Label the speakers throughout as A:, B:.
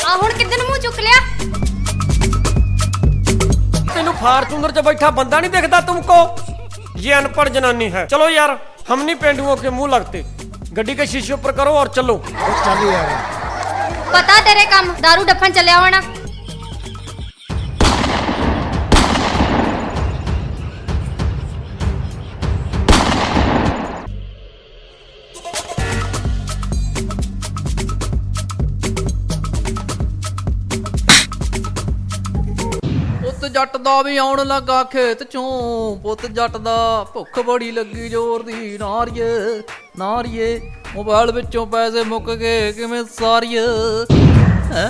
A: ਆ ਹੁਣ ਕਿੱਦਨ ਮੂੰਹ ਚੁੱਕ ਲਿਆ?
B: तेनू फार्चूनर च बैठा बंदा नहीं दिखता तुमको? ये अनपढ़ जनानी है। चलो यार, हम नहीं पेंडुओं के मुंह लगते। गड्डी के शीशे ऊपर करो और चलो।
C: ਚੱਲ ਯਾਰ
A: ਪਤਾ ਤੇਰੇ ਕੰਮ दारू ਡੱਫਣ ਚੱਲਿਆ ਹੋਣਾ।
D: ਪੁੱਤ ਜੱਟ ਦਾ ਵੀ ਆਉਣ ਲੱਗਾ ਖੇਤ ਚੋਂ, ਪੁੱਤ ਜੱਟ ਦਾ ਭੁੱਖ ਬੜੀ ਲੱਗੀ ਜ਼ੋਰ ਦੀ। ਨਾਰੀਏ ਨਾਰੀਏ ਮੋਬਾਈਲ ਵਿੱਚੋਂ ਪੈਸੇ ਮੁੱਕ ਗਏ ਕਿਵੇਂ ਸਾਰੀਏ ਹੈ।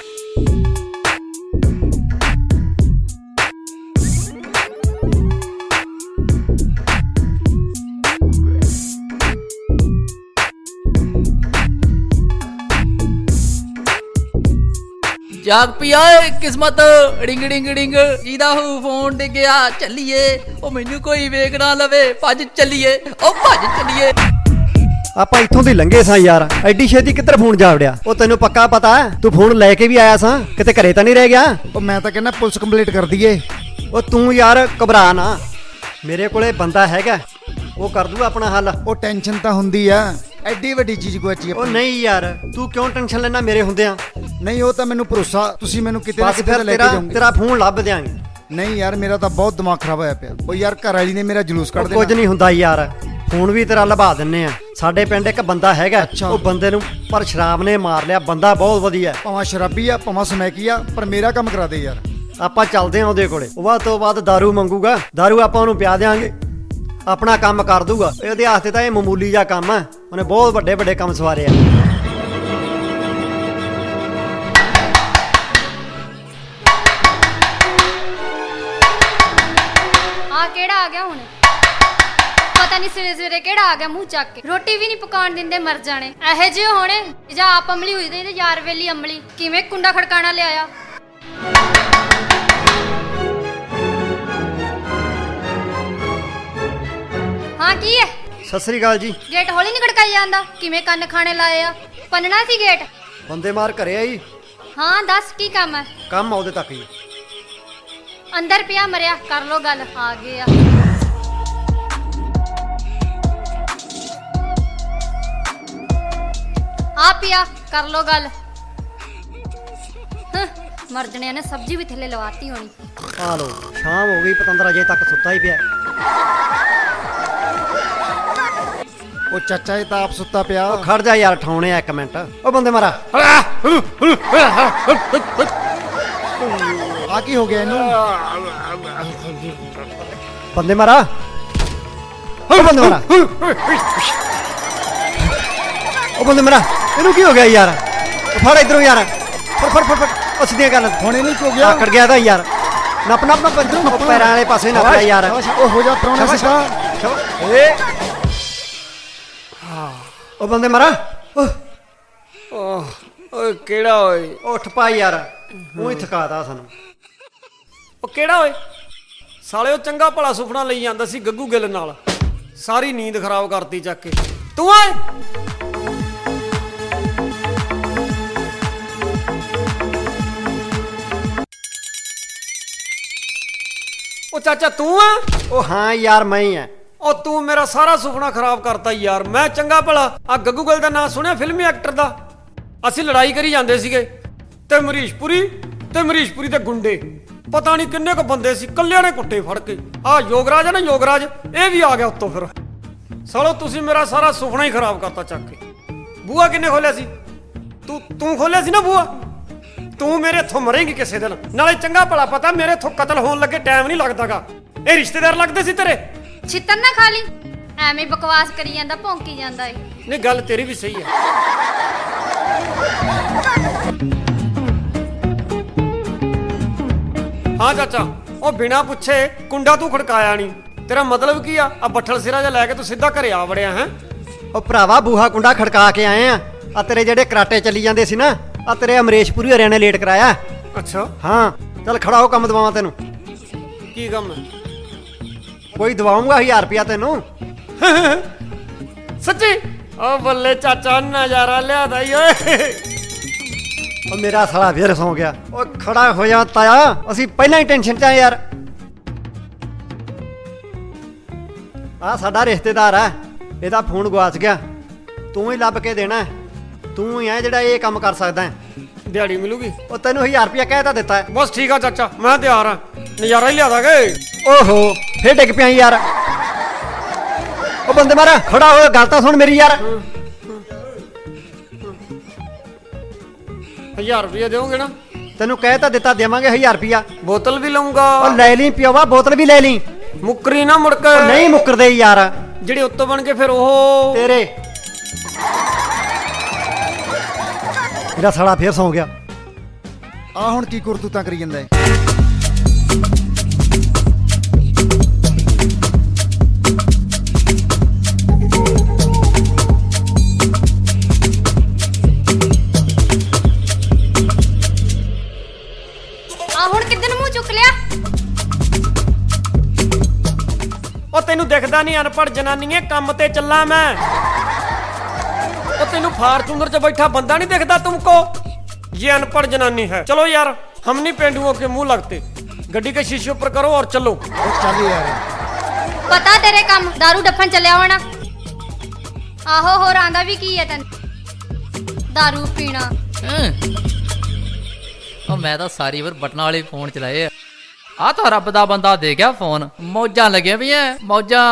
D: ਜਾਗ ਪਿਆ ਏ ਕਿਸਮਤ ਡਿੰਗ ਡਿੰਗ ਡਿੰਗ, ਜਿਹਦਾ ਹੂ ਫੋਨ ਡਿੱਗਿਆ ਚੱਲੀਏ। ਉਹ ਮੈਨੂੰ ਕੋਈ ਵੇਖ ਨਾ ਲਵੇ, ਭੱਜ ਚੱਲੀਏ, ਉਹ ਭੱਜ ਚੱਲੀਏ।
E: ਆਪਾਂ ਇੱਥੋਂ ਦੀ ਲੰਘੇ ਸਾਂ ਯਾਰ, ਐਡੀ ਛੇਤੀ ਕਿੱਧਰ ਫੋਨ ਜਾ ਵੜਿਆ? ਉਹ ਤੈਨੂੰ ਪੱਕਾ ਪਤਾ ਤੂੰ ਫੋਨ ਲੈ ਕੇ ਵੀ ਆਇਆ ਸਾਂ, ਕਿਤੇ ਘਰੇ ਤਾਂ ਨਹੀਂ ਰਹਿ ਗਿਆ?
C: ਉਹ ਮੈਂ ਤਾਂ ਕਹਿੰਦਾ ਪੁਲਿਸ ਕੰਪਲੀਟ ਕਰ ਦਈਏ।
E: ਉਹ ਤੂੰ ਯਾਰ ਘਬਰਾ ਨਾ, ਮੇਰੇ ਕੋਲੇ ਬੰਦਾ ਹੈਗਾ, ਉਹ ਕਰ ਦੂਗਾ ਆਪਣਾ ਹੱਲ।
C: ਉਹ ਟੈਨਸ਼ਨ ਤਾਂ ਹੁੰਦੀ ਆ, ਐਡੀ ਵੱਡੀ ਚੀਜ਼ ਗੁਆਚੀ
E: ਉਹ ਨਹੀਂ ਯਾਰ, ਤੂੰ ਕਿਉਂ ਟੈਨਸ਼ਨ ਲੈਣਾ ਮੇਰੇ ਹੁੰਦਿਆਂ?
C: ਨਹੀਂ ਉਹ ਤਾਂ ਮੈਨੂੰ ਭਰੋਸਾ, ਤੁਸੀਂ ਮੈਨੂੰ ਕਿਤੇ ਨਾ
E: ਬਸ
C: ਕਿਤੇ
E: ਫਿਰ
C: ਲੈ ਕੇ ਜਾਓਗੇ।
E: ਤੇਰਾ ਫੋਨ ਲੱਭ ਦਿਆਂਗੇ।
C: ਨਹੀਂ ਯਾਰ ਮੇਰਾ ਤਾਂ ਬਹੁਤ ਦਿਮਾਗ ਖਰਾਬ ਹੋਇਆ ਪਿਆ। ਉਹ ਯਾਰ ਘਰ ਵਾਲੀ ਨੇ ਮੇਰਾ ਜਲੂਸ ਕੱਢ ਦੇਣਾ।
E: ਕੁਝ ਨਹੀਂ ਹੁੰਦਾ ਯਾਰ, ਫੋਨ ਵੀ ਤੇਰਾ ਲਭਾ ਦਿੰਨੇ ਆ। ਸਾਡੇ ਪਿੰਡ ਇੱਕ ਬੰਦਾ ਹੈਗਾ,
C: ਅੱਛਾ।
E: ਉਹ ਬੰਦੇ ਨੂੰ ਪਰ ਸ਼ਰਾਬ ਨੇ ਮਾਰ ਲਿਆ। ਬੰਦਾ ਬਹੁਤ ਵਧੀਆ,
C: ਭਾਵੇਂ ਸ਼ਰਾਬੀ ਆ ਭਾਵੇਂ ਸਮੈਕੀ ਆ, ਪਰ ਮੇਰਾ ਕੰਮ ਕਰਾ ਦੇ ਯਾਰ।
E: ਆਪਾਂ ਚੱਲਦੇ ਆਂ ਉਹਦੇ ਕੋਲੇ। ਉਹ ਬਾਅਦ ਤੋਂ ਬਾਅਦ ਦਾਰੂ ਮੰਗੂਗਾ, ਦਾਰੂ ਆਪਾਂ ਉਹਨੂੰ ਪਿਆ ਦਿਆਂਗੇ, ਆਪਣਾ ਕੰਮ ਕਰ ਦੂਗਾ। ਇਹਦੇ ਹੱਥ ਤੇ ਤਾਂ ਇਹ ਮਾਮੂਲੀ ਜਿਹਾ ਕੰਮ ਆ, ਉਹਨੇ ਬਹੁਤ ਵੱਡੇ ਵੱਡੇ ਕੰਮ ਸਵਾਰੇ ਆ।
A: ਆ ਕਿਹੜਾ ਆ ਗਿਆ ਹੁਣ? ਪਤਾ ਨਹੀਂ ਸਵੇਰੇ ਸਵੇਰੇ ਕਿਹੜਾ ਆ ਗਿਆ ਮੂੰਹ ਚੱਕ ਕੇ। ਰੋਟੀ ਵੀ ਨਹੀਂ ਪਕਾਉਣ ਦਿੰਦੇ, ਮਰ ਜਾਣੇ ਇਹੋ ਜਿਹੇ ਹੋਣੇ। ਜਾਂ ਆਪ ਅਮਲੀ ਹੋਈ ਤੇ ਯਾਰ ਵੇਲੀ ਅਮਲੀ। ਕਿਵੇਂ ਕੁੰਡਾ ਖੜਕਾਣਾ ਲਿਆਇਆ? ਹਾਂ ਕੀ ਹੈ?
E: ਸਤਿ ਸ੍ਰੀ ਅਕਾਲ ਜੀ।
A: ਗੇਟ ਹੌਲੀ ਨਹੀਂ ਖੜਕਾਈ ਜਾਂਦਾ? ਕਿਵੇਂ ਕੰਨ ਖਾਣੇ ਲਾਏ ਆ? ਪੰਨਣਾ ਸੀ ਗੇਟ?
E: ਬੰਦੇ ਮਾਰ ਘਰੇ ਆਈ,
A: ਹਾਂ ਦੱਸ ਕੀ ਕੰਮ ਹੈ?
E: ਕੰਮ ਆਉਦੇ ਤੱਕ ਹੀ।
A: ਅੰਦਰ ਪਿਆ ਮਰਿਆ, ਕਰ ਲੋ ਗੱਲ। ਆ ਗਏ ਆ। ਆ ਪਿਆ, ਕਰ ਲੋ ਗੱਲ। ਮਰ ਜਣਿਆਂ ਨੇ ਸਬਜ਼ੀ ਵੀ ਥੱਲੇ ਲਵਾਤੀ ਹੋਣੀ।
E: ਆ ਲੋ, ਸ਼ਾਮ ਹੋ ਗਈ, ਪਤੰਦਰ ਅਜੇ ਤੱਕ ਸੁੱਤਾ ਹੀ ਪਿਆ।
C: ਉਹ ਚਾਚਾ ਇਹ ਤਾਂ ਆਪ ਸੁੱਤਾ ਪਿਆ।
E: ਉਹ ਖੜ ਜਾ ਯਾਰ, ਠਾਉਣੇ ਆ ਇੱਕ ਮਿੰਟ। ਉਹ ਬੰਦੇ ਮਾਰਾ,
C: ਆ ਕੀ ਹੋ ਗਿਆ ਇਹਨੂੰ?
E: ਬੰਦੇ ਮਾਰਾ, ਉਹ ਬੰਦੇ ਮਾਰਾ, ਉਹ ਬੰਦੇ ਮਾਰਾ। ਇਹਨੂੰ ਕੀ ਹੋ ਗਿਆ ਯਾਰ? ਫੜ ਇਧਰੋਂ ਯਾਰ, ਫੜ ਫੜ ਫੜ ਫੜ। ਉਹ ਸਿੱਧੀਆਂ ਕਰ,
C: ਹੁਣ ਇਹਨੂੰ ਕੀ ਹੋ ਗਿਆ?
E: ਆਕੜ ਗਿਆ ਤਾਂ ਯਾਰ। ਨੱਪ ਨੱਪ ਨੱਪ, ਪੈਰਾਂ ਵਾਲੇ ਪਾਸੇ ਨੱਪ ਯਾਰ।
C: ਉਹ ਹੋ ਜਾ ਪ੍ਰਾਹੁਣਾ ਸਿੱਧਾ।
E: ਉਹ ਬੰਦੇ ਮਾਰਾ,
B: ਓਏ ਕਿਹੜਾ ਓਏ?
E: ਉੱਠ ਪਾ ਯਾਰ, ਉਹ ਹੀ ਥਕਾਤਾ ਸਾਨੂੰ।
B: ਉਹ ਕਿਹੜਾ ਓਏ? ਸਾਲੇ ਉਹ ਚੰਗਾ ਭਲਾ ਸੁਪਨਾ ਲਈ ਜਾਂਦਾ ਸੀ ਗੱਗੂ ਗਿੱਲ ਨਾਲ, ਸਾਰੀ ਨੀਂਦ ਖਰਾਬ ਕਰਤੀ ਚੱਕ ਕੇ। ਤੂੰ ਓਏ ਉਹ ਚਾਚਾ ਤੂੰ ਆ?
E: ਉਹ ਹਾਂ ਯਾਰ, ਮੈਂ ਹੀ ਆ।
B: ਉਹ ਤੂੰ ਮੇਰਾ ਸਾਰਾ ਸੁਪਨਾ ਖਰਾਬ ਕਰਤਾ ਯਾਰ। ਮੈਂ ਚੰਗਾ ਭਲਾ ਆ ਗੱਗੂ ਗਿੱਲ ਦਾ ਨਾਂ ਸੁਣਿਆ, ਫਿਲਮੀ ਐਕਟਰ ਦਾ। ਅਸੀਂ ਲੜਾਈ ਕਰੀ ਜਾਂਦੇ ਸੀਗੇ ਤੇ ਮਰੀਸ਼ਪੁਰੀ ਦੇ ਗੁੰਡੇ ਪਤਾ ਨਹੀਂ ਕਿੰਨੇ ਕੁ ਬੰਦੇ ਸੀ, ਕੱਲਿਆਂ ਨੇ ਕੁੱਟੇ ਫੜ ਕੇ। ਆ ਯੋਗਰਾਜ ਹੈ ਨਾ, ਯੋਗਰਾਜ, ਇਹ ਵੀ ਆ ਗਿਆ ਉੱਤੋਂ। ਫਿਰ ਸਾਲੋ ਤੁਸੀਂ ਮੇਰਾ ਸਾਰਾ ਸੁਪਨਾ ਹੀ ਖਰਾਬ ਕਰਤਾ ਚੱਕ ਕੇ। ਬੂਆ ਕਿੰਨੇ ਖੋਲਿਆ ਸੀ? ਤੂੰ ਖੋਲਿਆ ਸੀ ਨਾ ਬੂਆ? ਤੂੰ ਮੇਰੇ ਇੱਥੋਂ ਮਰੇਂਗੀ ਕਿਸੇ ਦਿਨ। ਨਾਲੇ ਚੰਗਾ ਭਲਾ ਪਤਾ ਮੇਰੇ ਇੱਥੋਂ ਕਤਲ ਹੋਣ ਲੱਗੇ ਟਾਈਮ ਨਹੀਂ ਲੱਗਦਾਗਾ। ਇਹ ਰਿਸ਼ਤੇਦਾਰ ਲੱਗਦੇ ਸੀ ਤੇਰੇ।
A: ਛਿੱਤਰ ਨਾ ਖਾ ਲਈ, ਐਵੇਂ ਬਕਵਾਸ ਕਰੀ ਜਾਂਦਾ, ਭੌਂਕੀ ਜਾਂਦਾ ਏ।
B: ਨਹੀਂ ਗੱਲ ਤੇਰੀ ਵੀ ਸਹੀ ਹੈ। ਹਾਂ ਚਾਚਾ, ਉਹ ਬਿਨਾ ਪੁੱਛੇ ਕੁੰਡਾ ਤੂੰ ਖੜਕਾਇਆ ਨਹੀਂ। ਤੇਰਾ ਮਤਲਬ ਕੀ ਆ? ਆ ਬੱਠਲ ਸਿਰਾ ਜਿਹਾ ਲੈ ਕੇ ਤੂੰ ਸਿੱਧਾ ਘਰੇ ਆ ਵੜਿਆ ਹੈ?
E: ਉਹ ਭਰਾਵਾ, ਬੂਹਾ ਕੁੰਡਾ ਖੜਕਾ ਕੇ ਆਏ ਆ। ਆ ਤੇਰੇ ਜਿਹੜੇ ਕਰਾਟੇ ਚੱਲੀ ਜਾਂਦੇ ਸੀ ਨਾ, ਆ ਤੇਰੇ ਅਮਰੇਸ਼ਪੁਰੀ ਹਰਿਆਣੇ ਲੇਟ ਕਰਾਇਆ।
B: ਅੱਛਾ,
E: ਹਾਂ ਚੱਲ ਖੜਾ ਹੋ, ਕੰਮ ਦਵਾਵਾਂ ਤੈਨੂੰ।
B: ਕੀ ਕੰਮ ਹੈ?
E: ਕੋਈ ਦਵਾਉਂਗਾ 1000 ਰੁਪਿਆ ਤੈਨੂੰ।
B: ਸੱਚੀ? ਓ ਬੱਲੇ ਚਾਚਾ, ਨਜ਼ਾਰਾ ਲਿਆਦਾ ਈ ਓਏ।
E: ਉਹ ਮੇਰਾ ਸਾਲਾ ਫੇਰ ਸੌ ਗਿਆ। ਉਹ ਖੜਾ ਹੋ ਜਾ ਤਾਇਆ, ਅਸੀਂ ਪਹਿਲਾਂ ਹੀ ਟੈਨਸ਼ਨ 'ਚ ਆ ਯਾਰ। ਆ ਸਾਡਾ ਰਿਸ਼ਤੇਦਾਰ ਆ, ਇਹਦਾ ਫੋਨ ਗਵਾਚ ਗਿਆ, ਤੂੰ ਹੀ ਲੱਭ ਕੇ ਦੇਣਾ। ਤੂੰ ਹੀ ਆ ਜਿਹੜਾ ਇਹ ਕੰਮ ਕਰ ਸਕਦਾ ਹੈ।
B: ਦਿਹਾੜੀ ਮਿਲੂਗੀ?
E: ਉਹ ਤੈਨੂੰ 1000 ਰੁਪਇਆ ਕਹਿ ਤਾਂ ਦਿੱਤਾ ਹੈ।
B: ਬਸ ਠੀਕ ਆ ਚਾਚਾ, ਮੈਂ ਤਿਆਰ ਆ, ਨਜ਼ਾਰਾ ਹੀ ਲਿਆ ਦਾਂਗੇ।
E: ਓਹੋ ਫੇਰ ਡਿੱਗ ਪਿਆ ਯਾਰ। ਉਹ ਬੰਦੇ ਮਾਰਾ ਖੜਾ ਹੋ, ਗੱਲ ਤਾਂ ਸੁਣ ਮੇਰੀ ਯਾਰ।
B: 1000 ਰੁਪਏ ਦਿਓਗੇ ਨਾ?
E: ਤੈਨੂੰ ਕਹਿ ਤਾਂ ਦਿੱਤਾ ਦੇਵਾਂਗੇ 1000 ਰੁਪਇਆ।
B: ਬੋਤਲ ਵੀ ਲਊਂਗਾ।
E: ਉਹ ਲੈ ਲਈ ਪਿਓਵਾ, ਬੋਤਲ ਵੀ ਲੈ ਲਈ।
B: ਮੁੱਕਰੀ ਨਾ ਮੁੜ ਕੇ।
E: ਉਹ ਨਹੀਂ ਮੁੱਕਰਦੇ ਯਾਰ
B: ਜਿਹੜੇ ਉੱਤੋਂ ਬਣ ਕੇ ਫਿਰ ਉਹ
E: ਤੇਰੇ। ਮੇਰਾ ਸਾਲਾ ਫੇਰ ਸੌ ਗਿਆ।
C: ਆ ਹੁਣ ਕੀ ਕਰਤੂਤਾਂ ਕਰੀ ਜਾਂਦਾ ਹੈ?
A: ਆ ਹੁਣ ਕਿੱਦਨ ਮੂੰਹ ਚੁੱਕ ਲਿਆ?
B: ਉਹ ਤੈਨੂੰ ਦਿਖਦਾ ਨਹੀਂ ਅਨਪੜ੍ਹ ਜਨਾਨੀਏ, ਕੰਮ ਤੇ ਚੱਲਾਂ ਮੈਂ। ਉਹ ਤੈਨੂੰ ਫਾਰਚੂਨਰ 'ਚ ਬੈਠਾ ਬੰਦਾ ਨਹੀਂ ਦਿਖਦਾ ਤੁਮਕੋ? ये अनपढ़ जनानी है। चलो यार, हम नहीं पेंडुओं के मुंह लगते। गड्डी के शीशे ऊपर करो और चलो।
C: ਉਹ ਚੱਲ ਯਾਰ।
A: ਪਤਾ ਤੇਰੇ ਕੰਮ दारू ਡੱਫਣ ਚੱਲਿਆ ਹੋਣਾ। ਆਹੋ ਹੋਰ ਆਂਦਾ ਵੀ ਕੀ ਹੈ ਤੈਨੂੰ? दारू ਪੀਣਾ।
D: ਉਹ ਮੈਂ ਤਾਂ ਸਾਰੀ ਵਾਰ ਬਟਨਾਂ ਵਾਲੇ ਫੋਨ ਚਲਾਏ ਆ ਤਾਂ ਰੱਬ ਦਾ ਬੰਦਾ ਦੇ ਗਿਆ ਫੋਨ। ਮੌਜਾਂ ਲੱਗੀਆਂ ਵੀ ਐ, ਮੌਜਾਂ।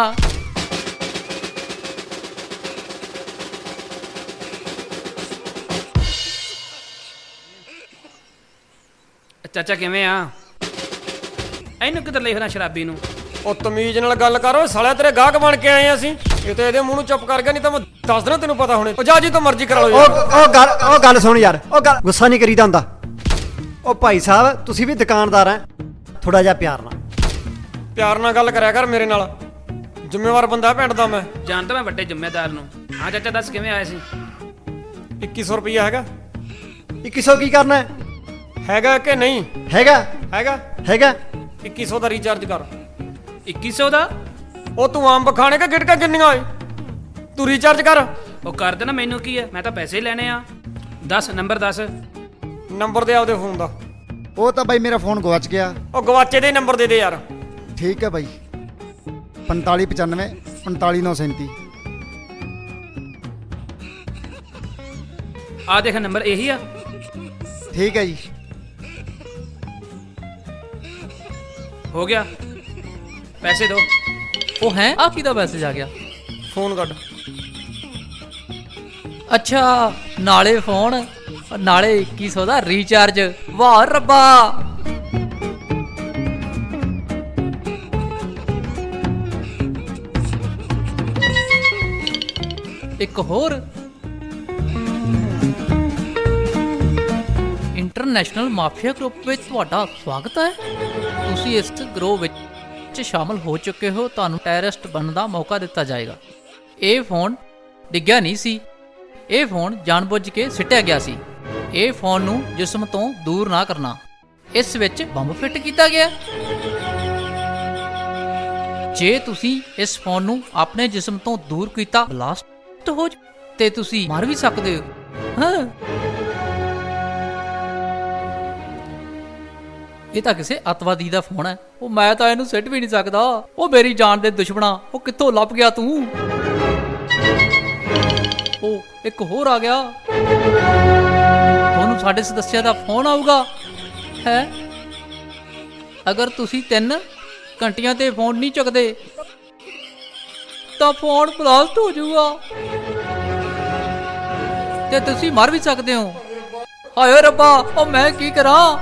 F: ਚਾਚਾ ਕਿਵੇਂ ਆ? ਇਹਨੂੰ ਕਿੱਧਰ ਲੈ ਫਿਰਾਂ ਸ਼ਰਾਬੀ ਨੂੰ?
B: ਉਹ ਤਮੀਜ਼ ਨਾਲ ਗੱਲ ਕਰੋ ਸਾਲਿਆ, ਤੇਰੇ ਗਾਹਕ ਬਣ ਕੇ ਆਏ ਅਸੀਂ। ਇਹ ਤੇ ਇਹਦੇ ਮੂੰਹ ਨੂੰ ਚੁੱਪ ਕਰ ਗਿਆ, ਨਹੀਂ ਤਾਂ ਮੈਂ ਦੱਸ ਦੇਣਾ ਤੈਨੂੰ ਪਤਾ ਹੁਣੇ। ਉਹ ਜਾ ਜੀ ਤੋਂ ਮਰਜ਼ੀ ਕਰਾ ਲਓ ਯਾਰ।
E: ਉਹ ਗੱਲ ਸੁਣ ਯਾਰ, ਉਹ ਗੱਲ ਗੁੱਸਾ ਨਹੀਂ ਕਰੀਦਾ ਹੁੰਦਾ। ਉਹ ਭਾਈ ਸਾਹਿਬ ਤੁਸੀਂ ਵੀ ਦੁਕਾਨਦਾਰ ਆ, ਥੋੜਾ ਜਿਹਾ ਪਿਆਰ ਨਾਲ।
B: ਪਿਆਰ ਨਾਲ ਗੱਲ ਕਰਿਆ ਕਰ ਮੇਰੇ ਨਾਲ, ਜ਼ਿੰਮੇਵਾਰ ਬੰਦਾ ਪਿੰਡ ਦਾ ਮੈਂ।
F: ਜਾਣਦਾ ਮੈਂ ਵੱਡੇ ਜ਼ਿੰਮੇਦਾਰ ਨੂੰ। ਹਾਂ ਚਾਚਾ ਦੱਸ ਕਿਵੇਂ ਆਏ ਸੀ?
B: 2100 ਰੁਪਇਆ ਹੈਗਾ?
E: 2100 ਕੀ ਕਰਨਾ ਹੈ?
B: ਹੈਗਾ ਕਿ ਨਹੀਂ?
E: ਹੈਗਾ
B: ਹੈਗਾ।
E: ਹੈਗਾ
B: 2100 ਦਾ ਰੀਚਾਰਜ ਕਰ।
F: 2100 ਦਾ?
B: ਉਹ ਤੂੰ ਆਮ ਬਖਾਣੇ ਕਾ ਗਿਟਕਾ ਕਿੰਨੀਆਂ ਓਏ? ਤੂੰ ਰੀਚਾਰਜ ਕਰ।
F: ਉਹ ਕਰ ਦੇਣਾ, ਮੈਨੂੰ ਕੀ ਹੈ, ਮੈਂ ਤਾਂ ਪੈਸੇ ਹੀ ਲੈਣੇ ਆ। ਦੱਸ ਨੰਬਰ ਦੱਸ।
B: ਨੰਬਰ ਦੇ ਆਪਦੇ ਫੋਨ ਦਾ।
C: ਉਹ ਤਾਂ ਬਾਈ ਮੇਰਾ ਫੋਨ ਗਵਾਚ ਗਿਆ।
B: ਉਹ ਗਵਾਚੇ ਦੇ ਨੰਬਰ ਦੇ ਦੇ ਯਾਰ।
C: ਠੀਕ ਹੈ ਬਾਈ, 4595 45937।
F: ਆ ਦੇਖ ਨੰਬਰ ਇਹੀ ਆ।
C: ਠੀਕ ਹੈ ਜੀ।
F: ਹੋ ਗਿਆ, ਪੈਸੇ ਦੋ।
D: ਉਹ ਹੈ ਆ ਕਿਹਦਾ ਮੈਸੇਜ ਆ ਗਿਆ?
B: ਫੋਨ ਕੱਢ।
D: ਅੱਛਾ ਨਾਲੇ ਫੋਨ ਨਾਲੇ 2100 ਦਾ ਰੀਚਾਰਜ। ਵਾਹ ਰੱਬਾ। ਇੱਕ ਹੋਰ ਇੰਟਰਨੈਸ਼ਨਲ ਮਾਫੀਆ ਗਰੁੱਪ ਵਿੱਚ ਤੁਹਾਡਾ ਸਵਾਗਤ ਹੈ। ਤੁਸੀਂ ਇਸ ਗਰੋਹ ਵਿੱਚ ਸ਼ਾਮਲ ਹੋ ਚੁੱਕੇ ਹੋ। ਤੁਹਾਨੂੰ ਟੈਰਰਿਸਟ ਬਣਨ ਦਾ ਮੌਕਾ ਦਿੱਤਾ ਜਾਏਗਾ। ਇਹ ਫੋਨ ਡਿੱਗਿਆ ਨਹੀਂ ਸੀ, ਇਹ ਫੋਨ ਜਾਣਬੁੱਝ ਕੇ ਸਿੱਟਿਆ ਗਿਆ ਸੀ। ਇਹ ਫੋਨ ਨੂੰ ਜਿਸਮ ਤੋਂ ਦੂਰ ਨਾ ਕਰਨਾ। ਇਸ ਵਿੱਚ ਬੰਬ ਫਿੱਟ ਕੀਤਾ ਗਿਆ। ਜੇ ਤੁਸੀਂ ਇਸ ਫੋਨ ਨੂੰ ਆਪਣੇ ਜਿਸਮ ਤੋਂ ਦੂਰ ਕੀਤਾ, ਬਲਾਸਟ ਹੋ ਤੇ ਤੁਸੀਂ ਮਰ ਵੀ ਸਕਦੇ ਹੋ। ਹਾਂ, ਇਹ ਤਾਂ ਕਿਸੇ ਅੱਤਵਾਦੀ ਦਾ ਫੋਨ ਹੈ। ਉਹ ਮੈਂ ਤਾਂ ਇਹਨੂੰ ਸਿੱਟ ਵੀ ਨਹੀਂ ਸਕਦਾ। ਉਹ ਮੇਰੀ ਜਾਨ ਦੇ ਦੁਸ਼ਮਣਾ, ਉਹ ਕਿੱਥੋਂ ਲੱਭ ਗਿਆ ਤੂੰ? ਉਹ ਇੱਕ ਹੋਰ ਆ ਗਿਆ। ਤੁਹਾਨੂੰ ਸਾਡੇ ਸਦੱਸਿਆ ਦਾ ਫੋਨ ਆਊਗਾ ਹੈ। ਅਗਰ ਤੁਸੀਂ 3 ਘੰਟਿਆਂ ਤੇ ਫੋਨ ਨਹੀਂ ਚੁੱਕਦੇ ਤਾਂ ਫੋਨ ਬਲਾਸਟ ਹੋ ਜਾਊਗਾ ਤੇ ਤੁਸੀਂ ਮਰ ਵੀ ਸਕਦੇ ਹੋ। ਹਾਏ ਰੱਬਾ, ਉਹ ਮੈਂ ਕੀ ਕਰਾਂ?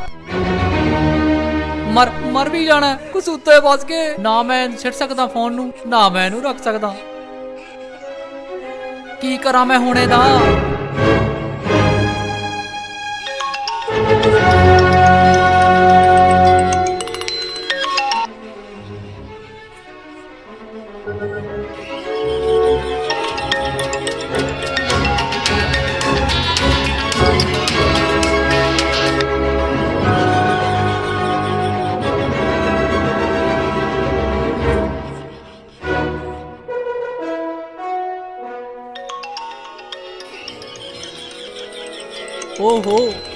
D: ਮਰ ਵੀ ਜਾਣਾ ਕੁਛ ਉੱਤੇ ਫਸ ਕੇ। ਨਾ ਮੈਂ ਛੱਡ ਸਕਦਾ ਫੋਨ ਨੂੰ, ਨਾ ਮੈਂ ਇਹਨੂੰ ਰੱਖ ਸਕਦਾ। ਕੀ ਕਰਾਂ ਮੈਂ ਹੁਣ ਇਹਦਾ?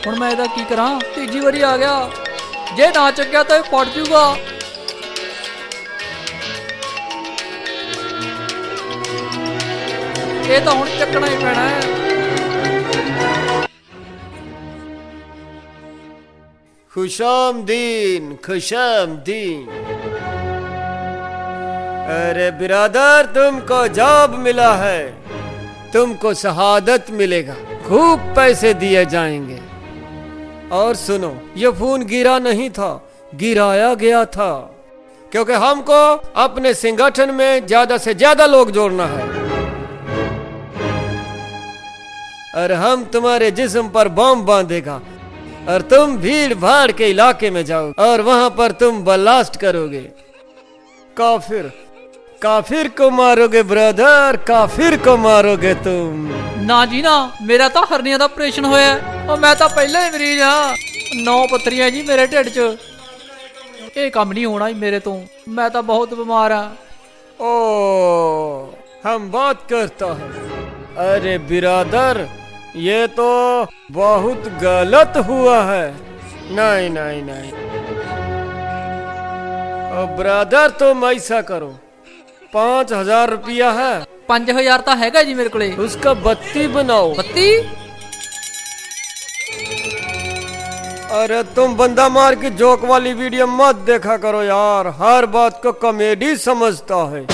D: ਹੁਣ ਮੈਂ ਇਹਦਾ ਕੀ ਕਰਾਂ? ਤੀਜੀ ਵਾਰੀ ਆ ਗਿਆ, ਜੇ ਨਾ ਚੱਕਿਆ ਤਾਂ ਇਹ ਫਟ ਜੂਗਾ। ਇਹ ਤਾਂ ਹੁਣ ਚੱਕਣਾ ਹੀ ਪੈਣਾ ਹੈ।
B: खुशामदीन खुशामदीन। अरे बिरादर, तुमको जॉब मिला है, तुमको शहादत मिलेगा, खूब पैसे दिए जाएंगे। और सुनो, ये फोन गिरा नहीं था, गिराया गया था, क्योंकि हमको अपने संगठन में ज्यादा से ज्यादा लोग जोड़ना है। और हम तुम्हारे जिस्म पर बम बांधेगा और तुम भीड़ भाड़ के इलाके में जाओ और वहां पर तुम ब्लास्ट करोगे। काफिर काफिर को मारोगे ब्रदर, काफिर को मारोगे तुम।
D: ਨਾ ਜੀ ਨਾ, ਮੇਰਾ ਤਾਂ ਹਰਨੀਆਂ ਦਾ ਆਪਰੇਸ਼ਨ ਹੋਇਆ। ਉਹ ਮੈਂ ਤਾਂ ਪਹਿਲਾਂ ਹੀ ਮਰੀਜ਼ ਆ, 9 ਪੱਥਰੀਆਂ ਜੀ ਮੇਰੇ ਢਿੱਡ 'ਚ। ਇਹ ਕੰਮ ਨਹੀਂ ਹੋਣਾ ਜੀ ਮੇਰੇ ਤੋਂ, ਮੈਂ ਤਾਂ ਬਹੁਤ ਬਿਮਾਰ ਆ।
B: ओ, हम बात करता है। अरे बिरादर, ये तो बहुत गलत हुआ है। नहीं नहीं नहीं, ब्रदर तुम ऐसा करो, 5,000 रुपया है,
D: 5000 ਤਾਂ ਹੈਗਾ ਜੀ ਮੇਰੇ ਕੋਲੇ।
B: उसका बत्ती बनाओ।
D: 32?
B: अरे तुम बंदा मार की जोक वाली वीडियो मत देखा करो यार, हर बात को कॉमेडी समझता है।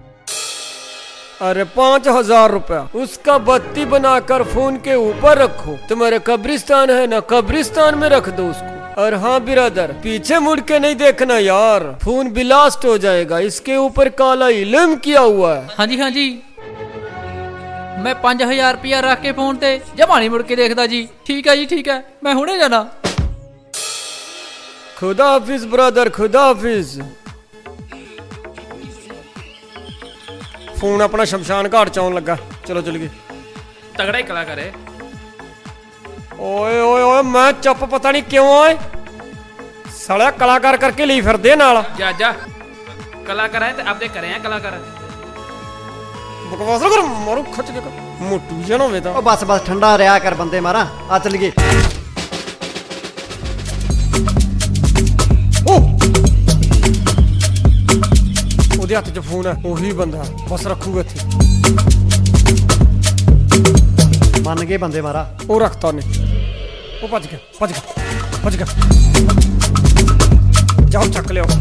B: अरे 5,000 रुपया, उसका बत्ती बनाकर फोन के ऊपर रखो। तुम्हारे कब्रिस्तान है ना, कब्रिस्तान में रख दो उसको। और हाँ बिरादर, पीछे मुड़ के नहीं देखना यार, फोन ब्लास्ट हो जाएगा, इसके ऊपर काला इल्म किया हुआ है।
D: ਹਾਂਜੀ ਹਾਂਜੀ, ਮੈਂ 5000 ਰੁਪਇਆ ਰੱਖ ਕੇ ਫੋਨ ਤੇ ਜਮਾ ਨਹੀਂ ਮੁੜ ਕੇ ਦੇਖਦਾ ਜੀ। ਠੀਕ ਹੈ ਜੀ, ਠੀਕ ਹੈ, ਮੈਂ ਹੁਣੇ ਜਾਣਾ।
B: खुदा हाफिज ब्रदर, खुदा हाफिज। फोन अपना शमशान घाट च आउण लगा, चलो चल गए।
F: ਤਗੜਾ ਹੀ ਕਲਾਕਾਰ ਹੈ।
B: ओए ओए ओए, मैं चुप पता नहीं क्यों आए, साला कलाकार करके ली फिरदे नाल।
F: ਜਾ ਜਾ, ਕਲਾਕਾਰ ਹੈ ਤੇ ਆਪਦੇ ਕਰੇ ਆ ਕਲਾਕਾਰ।
B: बकवास ना कर, मारू खच के मोटू जन होवे ता।
E: ਉਹ ਬਸ ਬਸ ਠੰਡਾ ਰਿਹਾ ਕਰ ਬੰਦੇ ਮਾਰਾ, ਆ ਚੱਲੀਏ।
B: ਉਹਦੇ ਹੱਥ 'ਚ ਫੋਨ ਹੈ, ਉਹੀ ਬੰਦਾ ਬਸ ਰੱਖੂਗਾ ਇੱਥੇ।
E: ਮੰਨ ਗਏ ਬੰਦੇ ਮਾਰਾ।
B: ਉਹ ਰੱਖਤਾ ਉਹਨੇ, ਉਹ ਭੱਜ ਗਿਆ ਭੱਜ ਗਿਆ ਭੱਜ ਗਿਆ। ਜਾਓ ਚੱਕ ਲਿਓ।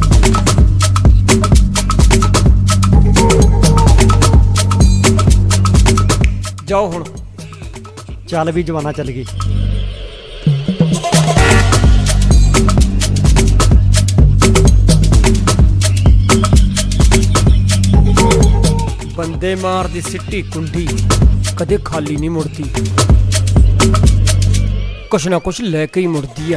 B: ਜਾਓ ਹੁਣ।
E: ਚੱਲ ਵੀ ਜਵਾਨਾ ਚੱਲ ਗਈ।
B: ਬੰਦੇ ਮਾਰ ਦੀ ਸਿੱਟੀ ਕੁੰਡੀ ਕਦੇ ਖਾਲੀ ਨਹੀਂ ਮੁੜਦੀ, ਕੁਛ ਨਾ ਕੁਛ ਲੈ ਕੇ ਹੀ ਮੁੜਦੀ ਆ।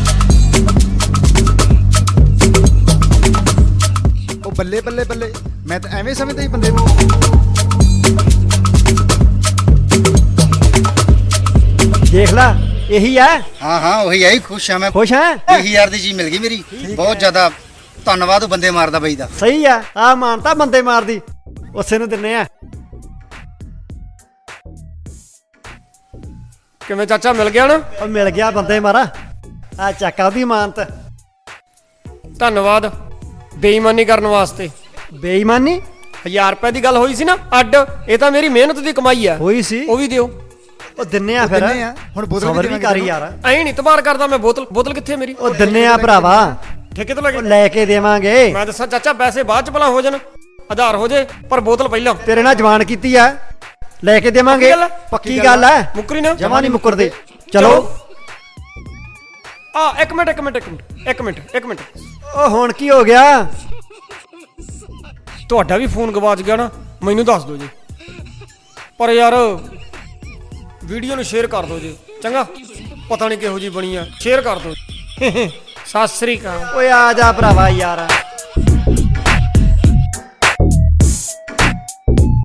C: ਉਹ ਬੱਲੇ ਬੱਲੇ ਬੱਲੇ, ਮੈਂ ਤਾਂ ਐਵੇਂ ਸਮਝਦਾ ਹੀ ਬੰਦੇ ਨੂੰ।
E: ਦੇਖ ਲੈ, ਇਹੀ ਹੈ।
C: ਹਾਂ ਹਾਂ ਉਹੀ ਆਈ, ਖੁਸ਼ ਆ ਮੈਂ।
E: ਖੁਸ਼ ਹੈ?
C: 20,000 ਦੀ ਚੀਜ਼ ਮਿਲ ਗਈ ਮੇਰੀ, ਬਹੁਤ ਜ਼ਿਆਦਾ ਧੰਨਵਾਦ ਉਹ ਬੰਦੇ ਮਾਰਦਾ ਬਾਈ ਦਾ।
E: ਸਹੀ ਆ, ਆ ਮਾਨਤਾ ਬੰਦੇ ਮਾਰਦੀ, ਉਸੇ ਨੂੰ ਦਿੰਨੇ ਆ।
B: ਕਿਵੇਂ ਚਾਚਾ, ਮਿਲ ਗਿਆ ਨਾ?
E: ਉਹ ਮਿਲ ਗਿਆ ਬੰਦੇ ਮਾਰਾ, ਆ ਚੱਕ ਉਹਦੀ ਮਾਨਤ।
B: ਧੰਨਵਾਦ ਬੇਈਮਾਨੀ ਕਰਨ ਵਾਸਤੇ।
E: ਬੇਈਮਾਨੀ?
B: 1000 ਰੁਪਏ ਦੀ ਗੱਲ ਹੋਈ ਸੀ ਨਾ ਅੱਡ, ਇਹ ਤਾਂ ਮੇਰੀ ਮਿਹਨਤ ਦੀ ਕਮਾਈ ਆ।
E: ਹੋਈ ਸੀ,
B: ਉਹ ਵੀ ਦਿਓ।
E: ਉਹ ਦਿੰਨੇ ਆ ਫਿਰ।
C: ਦਿੰਨੇ ਆ, ਹੁਣ ਬੋਤਲ
E: ਸਬਰ
C: ਵੀ
E: ਵੀ ਕਰੀ ਯਾਰ।
B: ਐਂ ਨਹੀਂ ਤਬਾਰ ਕਰਦਾ ਮੈਂ। ਬੋਤਲ ਕਿੱਥੇ ਮੇਰੀ?
E: ਉਹ ਦਿੰਨੇ ਆ ਭਰਾਵਾ,
B: ਠੇਕੇ ਤੋਂ ਲੈ
E: ਉਹ
B: ਕੇ।
E: ਲੈ ਕੇ ਦੇਵਾਂਗੇ।
B: ਮੈਂ ਦੱਸਾਂ ਚਾਚਾ, ਪੈਸੇ ਬਾਅਦ ਚ ਭਲਾ ਹੋ ਜਾਣ, ਆਧਾਰ ਹੋ ਜੇ, ਪਰ ਬੋਤਲ ਪਹਿਲਾਂ।
E: ਤੇਰੇ ਨਾਲ ਜਵਾਨ ਕੀਤੀ ਆ, ਲੈ ਕੇ ਦੇਵਾਂਗੇ।
B: ਪੱਕੀ ਗੱਲ ਆ?
E: ਪੱਕੀ ਗੱਲ ਹੈ,
B: ਮੁੱਕਰੀ ਨਾ।
E: ਜਮਾ ਨਹੀਂ ਮੁੱਕਰਦੇ। ਚਲੋ।
B: ਆ ਇੱਕ ਮਿੰਟ।
E: ਉਹ ਹੁਣ ਕੀ ਹੋ ਗਿਆ?
B: ਤੁਹਾਡਾ ਵੀ ਫੋਨ ਗਵਾਚ ਗਿਆ ਨਾ, ਮੈਨੂੰ ਦੱਸ ਦਿਓ ਜੀ। ਪਰ ਯਾਰ ਵੀਡੀਓ ਨੂੰ ਸ਼ੇਅਰ ਕਰ ਦਿਓ ਜੀ, ਚੰਗਾ? ਪਤਾ ਨਹੀਂ ਕਿਹੋ ਜੀ ਬਣੀ ਆ, ਸ਼ੇਅਰ ਕਰ ਦਿਓ। ਸਤਿ ਸ੍ਰੀ ਅਕਾਲ।
E: ਓਏ ਆ ਜਾ ਭਰਾਵਾ ਯਾਰ।